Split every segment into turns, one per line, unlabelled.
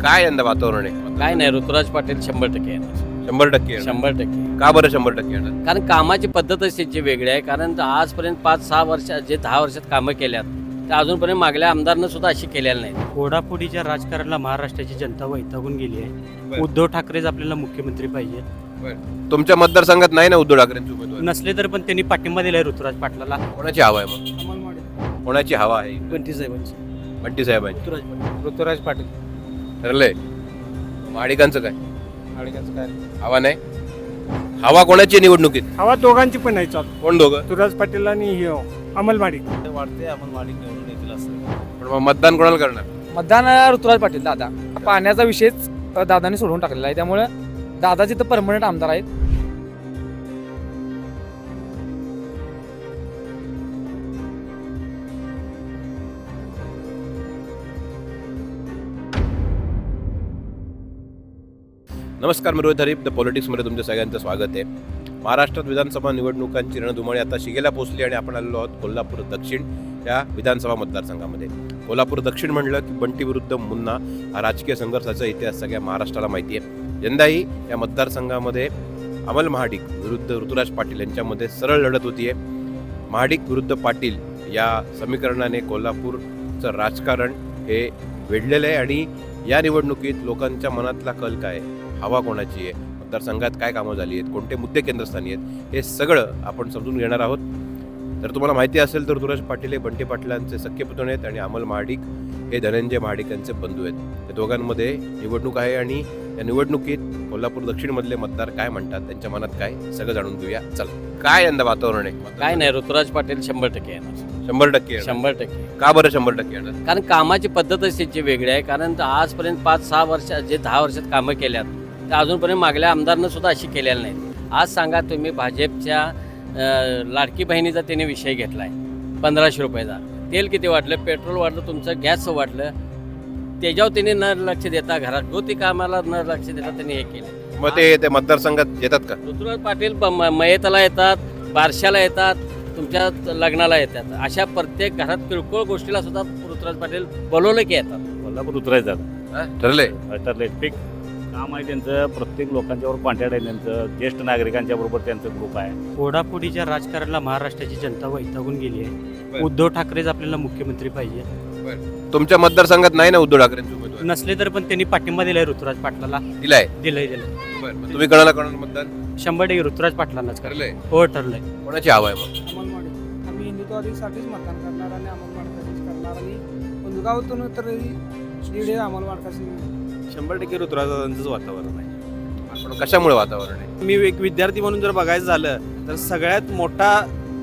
काय यंदा वातावरण आहे?
काय नाही, ऋतुराज पाटील 100% येणार.
100% येणार.
100%.
का बरं 100% येणार?
कारण कामाची पद्धतच त्यांची वेगळी आहे. कारण आजपर्यंत 5-6 वर्ष जे 10 वर्षात कामं केल्यात ते अजूनपर्यंत मागल्या आमदारनं सुद्धा अशी केलेली नाही.
फोडाफोडीच्या राजकारणाला महाराष्ट्राची जनता वैतागून गेली आहे.
बरं.
उद्धव ठाकरेच आपल्याला मुख्यमंत्री पाहिजे.
तुमच्या मतदारसंघात नाही ना उद्धव ठाकरेंचे उमेदवार?
नसले तर पण त्यांनी पाठिंबा दिलाय ऋतुराज पाटलाला.
कोणाची हवा आहे मग? कोणाची हवा आहे? बंटी साहेबांची.
ऋतुराज पाटील.
ठरलंय. महाडिकांचं काय? हवा नाही. हवा कोणाची आहे निवडणुकीत?
हवा दोघांची पण नाही चालू.
कोण दोघं?
ऋतुराज पाटील आणि अमल माडिक.
वाटते अमल माडिक निवडून येतील असं.
पण मग मतदान कोणाला करणार?
मतदान ऋतुराज पाटील दादा. पाण्याचा विषयच दादाने सोडून टाकलेला आहे, त्यामुळे दादाचे तर परमनंट आमदार आहेत.
नमस्कार, मी रोहित हरीफ द पॉलिटिक्समध्ये तुमच्या सगळ्यांचं स्वागत आहे. महाराष्ट्रात विधानसभा निवडणुकांची रणधुमाळी आता शिगेला पोहोचली आणि आपण आलेलो आहोत कोल्हापूर दक्षिण या विधानसभा मतदारसंघामध्ये. कोल्हापूर दक्षिण म्हणलं की बंटी विरुद्ध मुन्ना हा राजकीय संघर्षाचा इतिहास सगळ्या महाराष्ट्राला माहिती आहे. यंदाही या मतदारसंघामध्ये अमल महाडिक विरुद्ध ऋतुराज पाटील यांच्यामध्ये सरळ लढत होती आहे. महाडिक विरुद्ध पाटील या समीकरणाने कोल्हापूरचं राजकारण हे वेढलेलं आहे आणि या निवडणुकीत लोकांच्या मनातला कल काय आहे, हवा कोणाची आहे, मतदारसंघात काय कामं झाली आहेत, कोणते मुद्दे केंद्रस्थानी आहेत, हे सगळं आपण समजून घेणार आहोत. जर तुम्हाला माहिती असेल तर ऋतुराज पाटील हे बंटी पाटलांचे सख्खे पुतणे आहेत आणि अमल महाडिक हे धनंजय महाडिक यांचे बंधू आहेत. या दोघांमध्ये निवडणूक आहे आणि या निवडणुकीत कोल्हापूर दक्षिणमधले मतदार काय म्हणतात, त्यांच्या मनात काय, सगळं जाणून घेऊया. चला, काय यंदा वातावरण आहे?
काय नाही, ऋतुराज पाटील 100% येणार.
100% येणार.
100%.
का बरं 100% येणार?
कारण कामाची पद्धतच त्यांची वेगळी आहे. कारण आजपर्यंत 5-6 वर्ष जे 10 वर्षात कामं केल्यात ते अजूनपर्यंत मागल्या आमदारनं सुद्धा अशी केलेली नाही. आज सांगा तुम्ही, भाजपच्या लाडकी बहिणीचा त्याने विषय घेतला आहे 1500 रुपयाचा. तेल किती वाढलं, पेट्रोल वाढलं, तुमचं गॅस वाढलं, त्याच्यावर त्यांनी न लक्ष देता, घरात गोती कामाला न लक्ष देता त्यांनी हे केलं.
मग ते मतदारसंघात येतात का?
ऋतुराज पाटील मयताला येतात, बारशाला येतात, तुमच्या लग्नाला येतात. अशा प्रत्येक घरात किरकोळ गोष्टीला सुद्धा ऋतुराज पाटील बोलवलं की येतात.
कोल्हापूर उतरायचं आता.
ठरलंय.
ठरलंय. पीक काम आहे त्यांचं. प्रत्येक लोकांच्यावर कॉन्टॅक्ट आहे त्यांचं. ज्येष्ठ नागरिकांच्या बरोबर त्यांचं ग्रुप आहे.
फोडाफोडीच्या राजकारणाला महाराष्ट्राची जनता वैतागून गेली आहे. उद्धव ठाकरेच आपल्याला मुख्यमंत्री पाहिजे.
तुमच्या मतदारसंघात नाही ना उद्धव ठाकरेंचे उमेदवार?
नसले तर पण त्यांनी पाठिंबा दिलाय ऋतुराज पाटलाला.
दिलाय.
दिलंय.
तुम्ही कोणाला करणार मतदान?
100% ऋतुराज पाटलांनाच
ठरलंय.
हो, ठरलंय.
कोणाची हवा आहे मग?
अमल माडिक. आम्ही हिंदुत्वादीसाठीच मतदान करणार आणि अमल माडकाचीच करणार आणि उंदगावातून तर शिडे अमल माडकाची.
100% ऋतुराजांचंच वातावरण आहे.
पण कशामुळे वातावरण आहे?
मी एक विद्यार्थी म्हणून जर बघायचं झालं तर सगळ्यात मोठा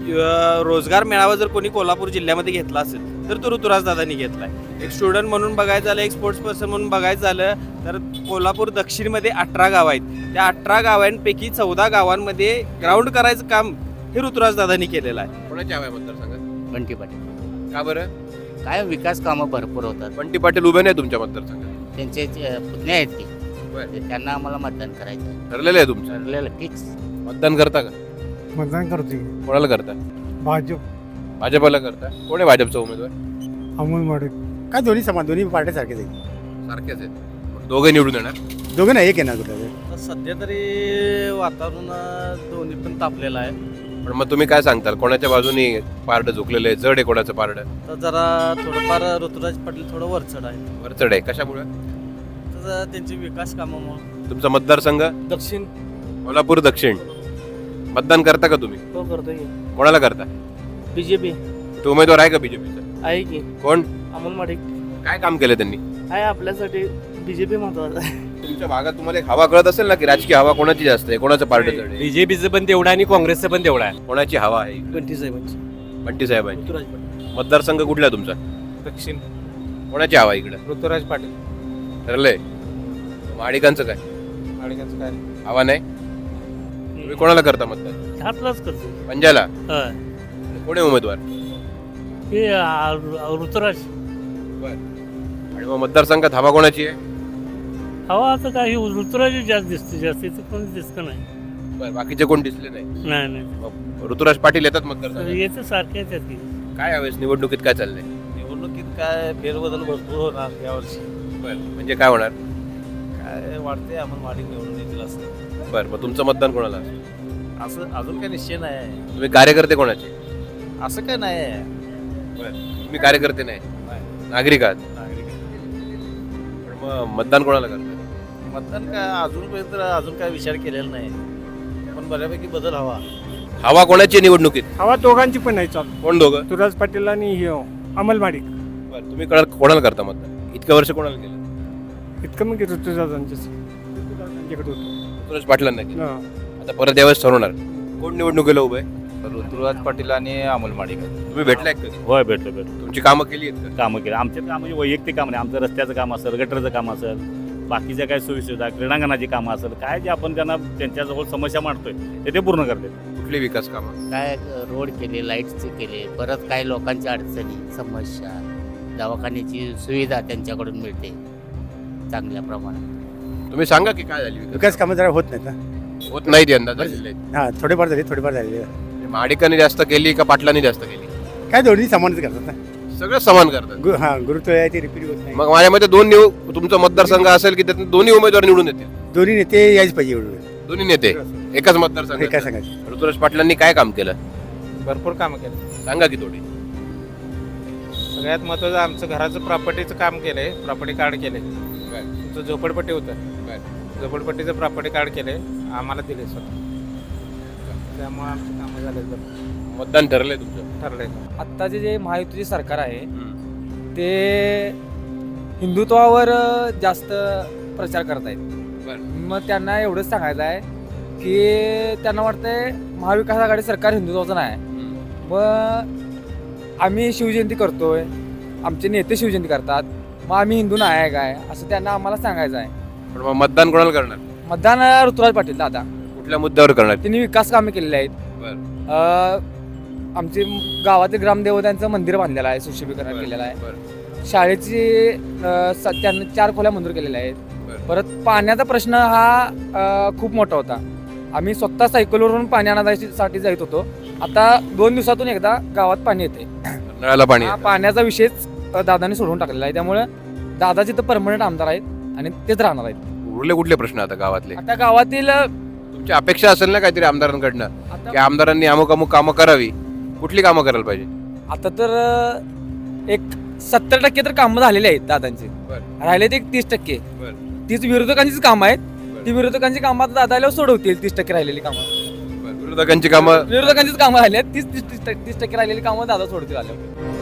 रोजगार मेळावा जर कोणी कोल्हापूर जिल्ह्यामध्ये घेतला असेल तर तो ऋतुराज दादांनी घेतलाय. एक स्टुडंट म्हणून बघायचं झालं, एक स्पोर्ट्स पर्सन म्हणून बघायचं झालं तर कोल्हापूर दक्षिणमध्ये 18 गावं आहेत. त्या 18 गावांपैकी 14 गावांमध्ये ग्राउंड करायचं काम हे ऋतुराज दादांनी केलेलं आहे.
कोणाची हवा आहे मतदारसंघात?
बंटी पाटील.
का बरं?
काय विकास कामं भरपूर होतात.
बंटी पाटील उभे नाही तुमच्या मतदारसंघात?
त्यांचे पुतणे आहेत
बरं.
ते, त्यांना आम्हाला मतदान करायचं
ठरलेलं आहे तुमचं?
ठरलेलं फिक्स.
मतदान करता का?
मतदान करतोय.
कोणाला करता?
भाजप.
भाजपला करता? कोण आहे भाजपचा उमेदवार?
अमल माडिक. काय दोन्ही समान, दोन्ही पार्ट्या सारखेच आहेत.
सारखेच आहेत. मग दोघे निवडून येणार?
दोघं नाही, एक येणार कुठं.
सध्या तरी वातावरण दोन्ही पण तापलेलं आहे.
पण मग तुम्ही काय सांगताल, कोणाच्या बाजूनी पारडं झुकलेलं आहे, जड आहे कोणाचं पारडं?
तर जरा थोडंफार ऋतुराज पाटील थोडं वरचढ आहे.
वरचढ आहे. कशामुळे?
तर त्यांची विकास कामामुळे.
तुमचा मतदारसंघ?
दक्षिण.
कोल्हापूर दक्षिण. मतदान करता का तुम्ही?
तो करतोय.
कोणाला करता?
बीजेपी
तो उमेदवार आहे का बीजेपीचा?
आहे की
कोण?
अमल माडिक.
काय काम केलं त्यांनी?
आहे आपल्यासाठी बीजेपी महत्वाचा आहे.
तुमच्या भागात तुम्हाला एक हवा कळत असेल ना की राजकीय हवा कोणाची जास्त आहे, कोणाचं पार्ट जड आहे?
बीजेपीचं पण तेवढं आणि काँग्रेसचं पण तेवढं आहे.
कोणाची हवा आहे?
बंटी साहेबांची.
बंटी साहेबांची.
ऋतुराज पाटील.
मतदारसंघ कुठला आहे तुमचा?
दक्षिण.
कोणाची हवा आहे इकडं?
ऋतुराज पाटील.
ठरलंय. महाडिकांचं काय?
माडिकांचं काय?
हवा नाही. तुम्ही कोणाला करता मतदान?
आपलाच करतो.
पंजाला? कोण आहे उमेदवार?
हे ऋतुराज.
आणि मग मतदारसंघात हवा कोणाची आहे?
हवा आता काही ऋतुराज जास्त दिसते, जास्तीचं कोणी दिसतं नाही.
बरं, बाकीचे कोण दिसले नाही?
नाही
मग ऋतुराज पाटील येतात मतदारसंघात?
येतं सारखे येतात की.
काय यावेळेस निवडणुकीत काय चाललंय?
निवडणुकीत काय फेरबदल भरपूर होणार यावर्षी.
म्हणजे काय होणार?
काय वाटते अमोल माडिक निवडून येतील असं.
बरं, मग तुमचं मतदान कोणाला?
असं अजून काही निश्चय नाही.
तुम्ही कार्यकर्ते कोणाचे?
असं काय नाही आहे.
तुम्ही कार्यकर्ते नाही, नागरिक आहात. पण मग मतदान कोणाला करताय?
मतदान काय अजून काय विचार केलेला नाही, पण बऱ्यापैकी बदल हवा.
हवा कोणाची आहे निवडणुकीत?
हवा दोघांची पण नाही चालू.
कोण दोघं?
तुराज पाटील आणि अमल माडिक.
बरं, तुम्ही कोणाला करता मतदान? इतकं वर्ष कोणाला केलं?
इतकं मग ऋतुजाजांच्याकडे होतो.
सुरेश पाटलांना केलं. आता परत यावेळेस ठरवणार कोण निवडणुकीला उभं आहे?
ऋतुराज पाटील आणि अमोल माडिक.
तुम्ही भेटलाय का कधी?
होय, भेटतो.
तुमची कामं केली आहेत का?
कामं केलं आमच्यात काम म्हणजे वैयक्तिक काम नाही. आमचं रस्त्याचं काम असेल, गटरचं काम असेल, बाकीच्या काय सोयीसुविधा, क्रीडांगणाची कामं असेल, काय जे आपण त्यांना त्यांच्याजवळ समस्या मांडतोय ते पूर्ण करते.
कुठली विकास कामं?
काय रोड केले, लाईट्सचे केले, परत काही लोकांच्या अडचणी, समस्या, दवाखान्याची सुविधा त्यांच्याकडून मिळते चांगल्या प्रमाणात.
तुम्ही सांगा की काय झाली
विकास कामं जरा होत नाहीत ना.
होत नाही ती यंदा झालेले.
हां, थोडेफार झाले.
माडिकांनी जास्त केली का पाटलांनी जास्त केली?
काय दोन्ही समानच करतात ना.
सगळं समान करतात.
हां, गुरुत्व आहे ते रिपीट होत नाही.
मग माझ्या मते तुमचा मतदारसंघ असेल की त्यातून दोन्ही उमेदवार निवडून येतील.
दोन्ही नेते यायच पाहिजे एवढं.
दोन्ही नेते एकाच मतदारसंघ.
काय सांगायचं.
ऋतुराज पाटलांनी काय काम केलं
भरपूर कामं केलं.
सांगा की थोडी.
सगळ्यात महत्त्वाचं आमचं घराचं प्रॉपर्टीचं काम केलंय, प्रॉपर्टी कार्ड केले. तुमचं झोपडपट्टी होतं, झोपडपट्टीचं प्रॉपर्टी कार्ड केले, आम्हाला दिले स्वतः. त्यामुळे आमची कामं झाले.
मतदान ठरलंय तुमचं?
ठरलंय.
आत्ताचे जे महायुतीचे सरकार आहे ते हिंदुत्वावर जास्त प्रचार करत आहेत. मग त्यांना एवढंच सांगायचं आहे की त्यांना वाटतंय महाविकास आघाडी सरकार हिंदुत्वाचं नाही. मग आम्ही शिवजयंती करतोय, आमचे नेते शिवजयंती करतात, मग आम्ही हिंदू नाही आहे काय असं त्यांना आम्हाला सांगायचं आहे.
पण मग मतदान कोणाला करणार?
मतदान ऋतुराज पाटील दादा.
कुठल्या मुद्द्यावर करणार?
त्यांनी विकास कामे केलेली आहेत. आमचे गावातील ग्रामदेवतांचं मंदिर बांधलेलं आहे, सुशोभीकरण केलेलं आहे. शाळेची त्यांना 4 खोल्या मंजूर केलेल्या आहेत. परत पाण्याचा प्रश्न हा खूप मोठा होता. आम्ही स्वतः सायकलवरून पाणी आणण्यासाठी जात होतो. आता 2 दिवसातून एकदा गावात पाणी येते.
नळाला पाणी
हा
येतं.
पाण्याचा विषयच दादाने सोडवून टाकलेला आहे. त्यामुळे दादाचे तर परमनंट आमदार आहेत आणि तेच राहणार आहेत.
उरले कुठले प्रश्न आता गावातले?
आता गावातील
तुमची अपेक्षा असेल ना काहीतरी आमदारांकडनं की आमदारांनी अमुक अमुक कामं करावी. कुठली कामं करायला पाहिजे?
आता तर एक 70% तर कामं झालेली आहेत दादांची. राहिले ते 30%. तीच विरोधकांचीच कामं आहेत. ती विरोधकांची कामं आता दादाला सोडवतील. 30% राहिलेली कामं
विरोधकांची कामं
विरोधकांचीच कामं राहिली आहेत. 30% राहिलेली कामं दादा सोडतील आल्यावर.